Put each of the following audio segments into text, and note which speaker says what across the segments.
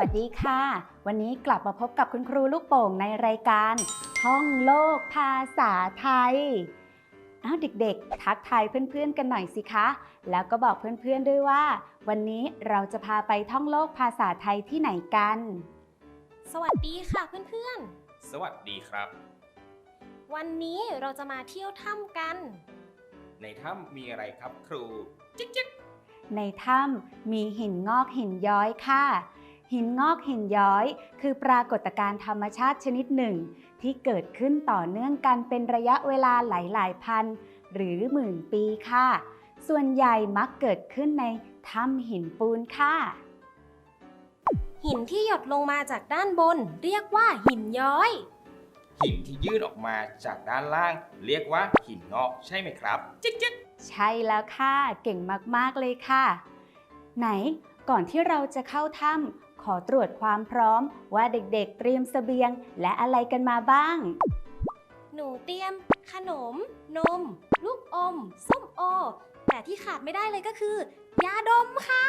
Speaker 1: สดีค่ะวันนี้กลับมาพบกับคุณครูลูกโป่งในรายการท่องโลกภาษาไทยเด็กๆทักทายเพื่อนๆกันหน่อยสิคะแล้วก็บอกเพื่อนๆด้วยว่าวันนี้เราจะพาไปท่องโลกภาษาไทยที่ไหนกัน
Speaker 2: สวัสดีค่ะเพื่อน
Speaker 3: สวัสดีครับ
Speaker 2: ๆวันนี้เราจะมาเที่ยวถ้ำกัน
Speaker 3: ในถ้ำมีอะไรครับครูจิ๊กจิ๊ก
Speaker 1: ในถ้ำมีหินงอกหินย้อยค่ะหินงอกหินย้อยคือปรากฏการณ์ธรรมชาติชนิดหนึ่งที่เกิดขึ้นต่อเนื่องกันเป็นระยะเวลาหลายๆพันหรือหมื่นปีค่ะส่วนใหญ่มักเกิดขึ้นในถ้ำหินปูนค่ะ
Speaker 2: หินที่หยดลงมาจากด้านบนเรียกว่าหินย้อย
Speaker 3: หินที่ยื่นออกมาจากด้านล่างเรียกว่าหินงอกใช่ไหมครับจิ๊กจิ๊ก
Speaker 1: ใช่แล้วค่ะเก่งมากๆเลยค่ะไหนก่อนที่เราจะเข้าถ้ำขอตรวจความพร้อมว่าเด็กๆเตรียมเสบียงและอะไรกันมาบ้าง
Speaker 2: หนูเตรียมขนมนมลูกอมส้มโอแต่ที่ขาดไม่ได้เลยก็คือยาดมค่ะ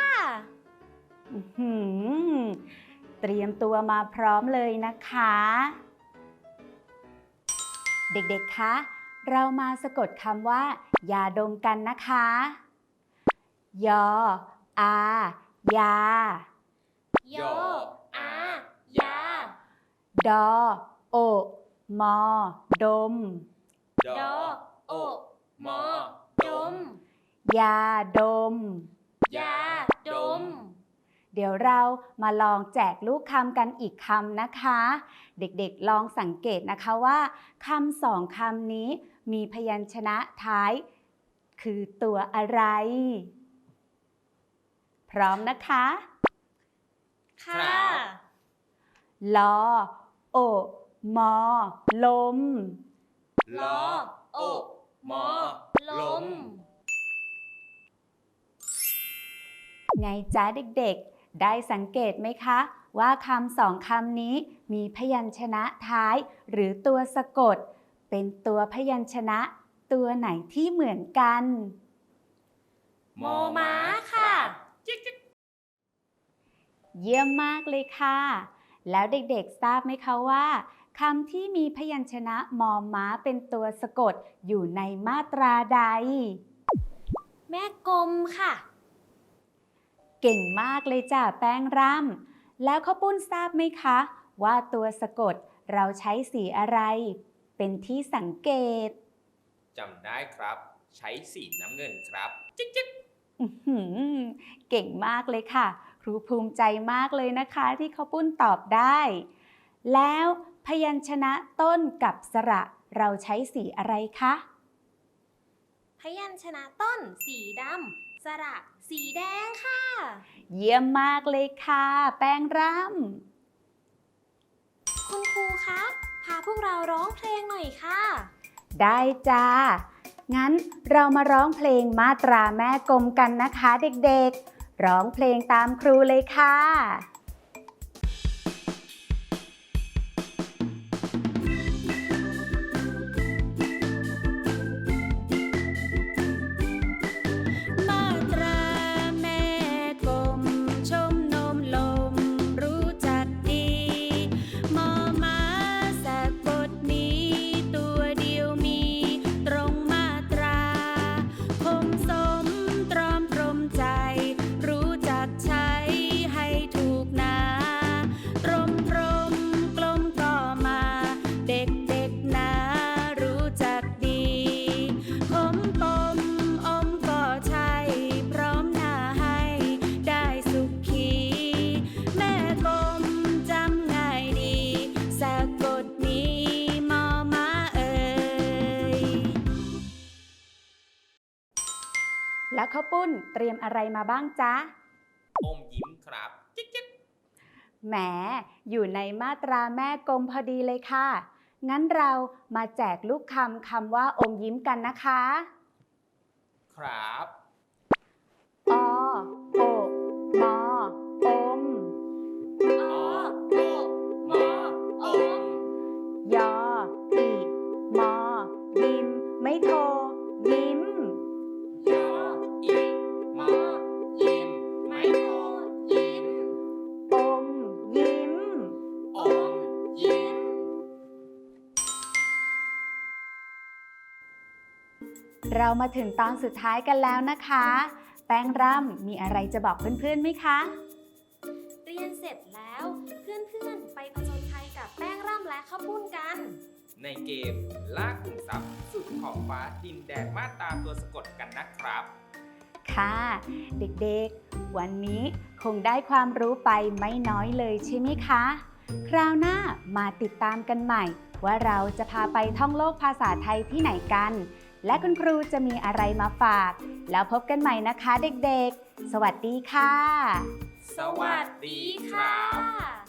Speaker 1: เตรียมตัวมาพร้อมเลยนะคะเด็กๆคะเรามาสะกดคำว่ายาดมกันนะคะยออายาย
Speaker 2: ออายา
Speaker 1: ดอโอมอดม
Speaker 2: ดอโอมอดม
Speaker 1: ยาดม
Speaker 2: ยาดม
Speaker 1: เดี๋ยวเรามาลองแจกลูกคำกันอีกคำนะคะเด็กๆลองสังเกตนะคะว่าคำสองคำนี้มีพยัญชนะท้ายคือตัวอะไรพร้อมนะคะ
Speaker 2: ค่ะ
Speaker 1: ลอโอมอลม
Speaker 2: ลอโอมอลม
Speaker 1: ไงจ๊ะเด็กๆได้สังเกตไหมคะว่าคำสองคำนี้มีพยัญชนะท้ายหรือตัวสะกดเป็นตัวพยัญชนะตัวไหนที่เหมือนกัน
Speaker 2: มอม้าค่ะ
Speaker 1: เยี่ยมมากเลยค่ะแล้วเด็กๆทราบไหมคะว่าคำที่มีพยัญชนะมอม้าเป็นตัวสะกดอยู่ในมาตราใด
Speaker 2: แม่กลมค่ะ
Speaker 1: เก่งมากเลยจ้ะแป้งร่ำแล้วข้าวปุ้นทราบไหมคะว่าตัวสะกดเราใช้สีอะไรเป็นที่สังเกต
Speaker 3: จำได้ครับใช้สีน้ำเงินครับจิ๊กจิ๊ก
Speaker 1: เก่งมากเลยค่ะครูภูมิใจมากเลยนะคะที่ข้าวปุ้นตอบได้แล้วพยัญชนะต้นกับสระเราใช้สีอะไรคะ
Speaker 2: พยัญชนะต้นสีดำสระสีแดงค่ะ
Speaker 1: เยี่ยมมากเลยค่ะแป้งร่
Speaker 2: ำคุณครูคะพาพวกเราร้องเพลงหน่อยค่ะ
Speaker 1: ได้จ้างั้นเรามาร้องเพลงมาตราแม่กลมกันนะคะเด็กๆร้องเพลงตามครูเลยค่ะแล้วข้าวปุ้นเตรียมอะไรมาบ้างจ๊ะ
Speaker 3: อมยิ้มครับจิ๊กจิ๊ก
Speaker 1: แหมอยู่ในมาตราแม่กลมพอดีเลยค่ะงั้นเรามาแจกลูกคำว่าอมยิ้มกันนะคะ
Speaker 3: ครับ
Speaker 1: อโอมอม
Speaker 2: อโอมอม
Speaker 1: ยออิมอยิ้มไม่โทยิ้ม
Speaker 3: ยออิมอยิ้มไม่โทยิ้ม
Speaker 1: เรามาถึงตอนสุดท้ายกันแล้วนะคะ แป้งร่ำมีอะไรจะบอกเพื่อนๆไหมคะ
Speaker 2: เรียนเสร็จแล้วเพื่อนๆไปผจญภัยกับแป้งร่ำและข้าวปุ้นกัน
Speaker 3: ในเกมล่าขุมทรัพย์สุดขอบฟ้าดินแดนมาตราตัวสะกดกันนะครับ
Speaker 1: ค่ะเด็กๆ วันนี้คงได้ความรู้ไปไม่น้อยเลยใช่ไหมคะ คราวหน้ามาติดตามกันใหม่ ว่าเราจะพาไปท่องโลกภาษาไทยที่ไหนกัน และคุณครูจะมีอะไรมาฝาก แล้วพบกันใหม่นะคะเด็กๆ สวัสดีค่ะ
Speaker 3: สวัสดีครับ